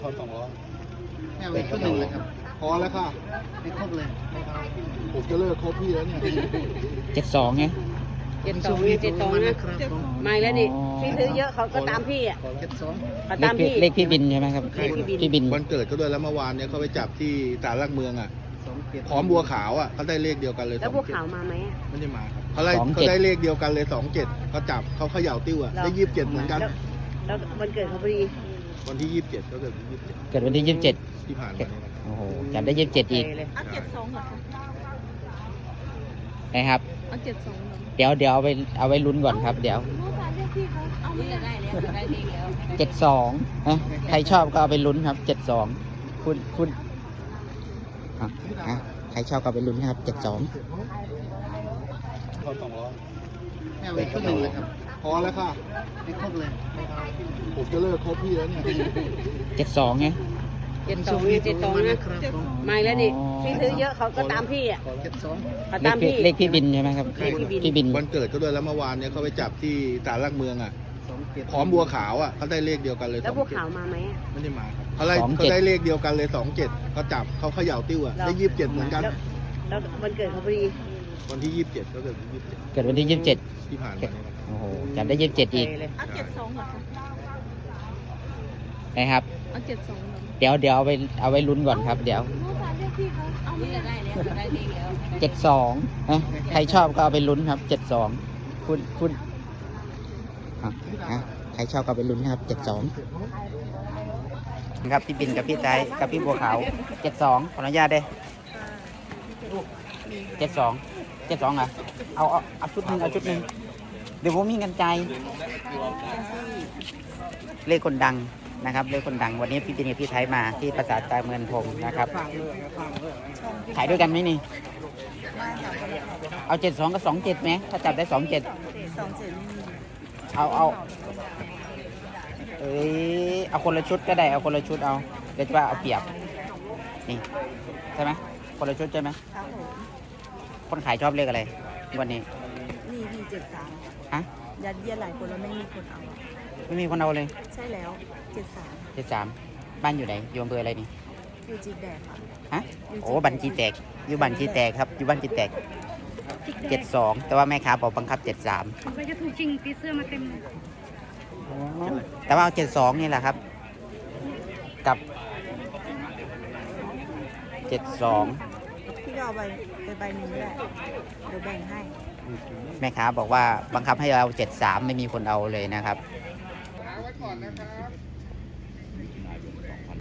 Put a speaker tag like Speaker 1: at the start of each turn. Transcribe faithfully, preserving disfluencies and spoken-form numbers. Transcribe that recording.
Speaker 1: ทอนสองร้อย
Speaker 2: ไม่เอาอีกชุดหนึ่งเลยครับ
Speaker 1: พอแล้วค่ะ
Speaker 2: ไม่ครบเลย
Speaker 1: ผมจะเลิกคบพี่แล้วเนี่ย
Speaker 3: เจ็ดสองไง
Speaker 4: เจ็ดสองเจ็ดสองนะไม่แล้วนี่พี่ซื้อเยอะเขาก็ตามพี่อ่ะ
Speaker 2: เจ็ดสอง
Speaker 4: เขา
Speaker 3: เล
Speaker 4: ตา
Speaker 3: ข
Speaker 4: ม
Speaker 3: พี่
Speaker 4: พี่
Speaker 3: เลขพี่บินใช่ไหมครับ
Speaker 4: เลขพี่บิน
Speaker 3: พี่บิน
Speaker 1: วันเกิดก็ด้วยแล้วเมื่อวานเนี่ยเขาไปจับที่ศาลหลักเมืองอ่ะ
Speaker 2: สองเจ็ด
Speaker 1: พร้อมบัวขาวอ่ะเขาได้เลขเดียวกันเลย
Speaker 4: แล้วพวกขาวมาไหมอะ
Speaker 1: ไม่ได้มาครับเขาได้เขาได้เลขเดียวกันเลยสองเจ็ดเขาจับเขาเขย่าติ้วอ่ะได้ยี่สิบเจ็ดเหมือนกัน
Speaker 4: แล้วแล้ววันเกิดเขาพอดี
Speaker 1: วันที่ยี่สิบเจ็ดก็เกิดยี่สิบเจ็ด
Speaker 3: เกิดวันที่ยี่สิบเจ็ด
Speaker 1: ที่ผ่านมาเนี่ย
Speaker 3: โอ้โหจำได้ยี่สิบเจ็ดอีก
Speaker 4: เลย
Speaker 5: เอาเจ็ดสองเหรอคะ
Speaker 3: นะครับ
Speaker 5: เอาเจ็ดสองเหรอ
Speaker 3: เดี๋ยวเดี๋ยวเอาไปเอาไว้ลุ้นก่อนครับ เดี๋ยว
Speaker 5: เมื่อวานเรียกพี่เขาเอาไม่ได้
Speaker 4: ได้แล้วได้เลขแล้ว
Speaker 3: เจ็ดสองนะใครชอบก็เอาไปลุ้นครับเจ็ดสองคุณคุณอ่ะอ่ะใครชอบก็เอาไปลุ้นครับเจ็ดสอง
Speaker 1: ทอนสองร้อย
Speaker 2: ไม่เอาอีกชุดหนึ่งเลยครับ
Speaker 1: พอแล้วค่ะ
Speaker 2: ไม่ครบเลย
Speaker 1: ผมจะเลิกคบพี่แล้วเนี่ย
Speaker 3: เจ็ดสองไง
Speaker 4: เจ็ดสองเจ็ดสองนะไม่แล้วนี่พี่ซื้อเยอะเขาก็ตามพี่อ่ะ
Speaker 2: เจ็ดสอง
Speaker 4: เขา
Speaker 3: เล
Speaker 4: ตา
Speaker 3: ข
Speaker 4: ม
Speaker 3: พี่
Speaker 4: พี่
Speaker 3: เลขพี่บินใช่ไหมครับ
Speaker 4: เลขพี่บิน
Speaker 3: พี่บิน
Speaker 1: วันเกิดก็ด้วยแล้วเมื่อวานเนี่ยเขาไปจับที่ศาลหลักเมืองอ่ะ
Speaker 2: สองเจ็ด
Speaker 1: พร้อมบัวขาวอ่ะเขาได้เลขเดียวกันเลย
Speaker 4: แล้วพวกขาวมาไหมอะ
Speaker 1: ไม่ได้มาครับเขาได้เขาได้เลขเดียวกันเลยสองเจ็ดเขาจับเขาเขย่าติ้วอ่ะได้ยี่สิบเจ็ดเหมือนกัน
Speaker 4: แล้วแล้ววันเกิดเขาพอดี
Speaker 1: วันที่ยี่สิบเจ็ดก็เกิดยี่สิบเจ็ด
Speaker 3: เกิดวันที่ยี่สิบเจ็ด
Speaker 1: ที่ผ่านมาเนี่ย
Speaker 3: โอ้โหจำได้ยี่สิบเจ็ดอีก
Speaker 4: เลย
Speaker 5: เอาเจ็ดสองเหรอคะ
Speaker 3: นะครับ
Speaker 5: เอาเจ็ดสองเหรอ
Speaker 3: เดี๋ยวเดี๋ยวเอาไปเอาไว้ลุ้นก่อนครับ เดี๋ยว
Speaker 5: เมื่อวานเรียกพี่เขาเอาไม่ได้
Speaker 4: ได้แล้วได้เลขแล้ว
Speaker 3: เจ็ดสองนะใครชอบก็เอาไปลุ้นครับเจ็ดสองคุณคุณอ่ะอ่ะใครชอบก็เอาไปลุ้นครับเจ็ดสองครับพี่บินกับพี่ไทยกับพี่บัวขาวเจ็ดสองขออนุญาตเด้เจ็ดสองเจ็ดสองอ่ะเอาเอาเอาชุดหนึ่งเอาชุดหนึ่งเดี๋ยวผมมีเงินใจายเลขคนดังนะครับเลขคนดังวันนี้พี่บินกับพี่ไทยมาที่ภาษาใจเมืองพงนะครับขายด้วยกันไหมนี่ เอาเจ็ดสองกับสองเจ็ดไหมถ้าจับได้สองเจ็ด
Speaker 5: สองเจ็ดไม่มี
Speaker 3: เอาเอาเอ้ยเอาคนละชุดก็ได้เอาคนละชุดเอาเดี๋ยวจะว่าเอาเปรียบนี่ใช่ไหมคนละชุดใช่ไหม
Speaker 5: ครับผม
Speaker 3: คนขายชอบเลขอะไรวันนี้
Speaker 5: นี่พี่เจ็ดสาม
Speaker 3: ฮะ
Speaker 5: ยัดเยียดหลายคนแล้วไม่มีคนเอา
Speaker 3: ไม่มีคนเอาเลย
Speaker 5: ใช่แล้วเจ็ดสาม
Speaker 3: เจ็ดสามบ้านอยู่ไหนอยู่อำเภออะไรนี่
Speaker 5: อยู่จีแดกค่ะ
Speaker 3: ฮะโอ้บัญชีแตกอยู่บัญชีแตกครับอยู่บัญชีแตกเจ็ดสองแต่ว่าแม่ค้าบอกบังคับเจ็ดสาม
Speaker 5: มันก็จะถูกจริงปีเสื้อมาเต็มเลย
Speaker 3: แต่ว่าเอาเจ็ดสองนี่แหละครับ กับเจ็ดสอง
Speaker 5: พี่ก็เอาไปไปใบหนึ่งก็ได้เดี๋ยวแบ่งให้
Speaker 3: แม่ค้าบอกว่าบังคับให้เราเจ็ดสามไม่มีคนเอาเลยนะครับ
Speaker 1: ไว้ก่อนนะครับ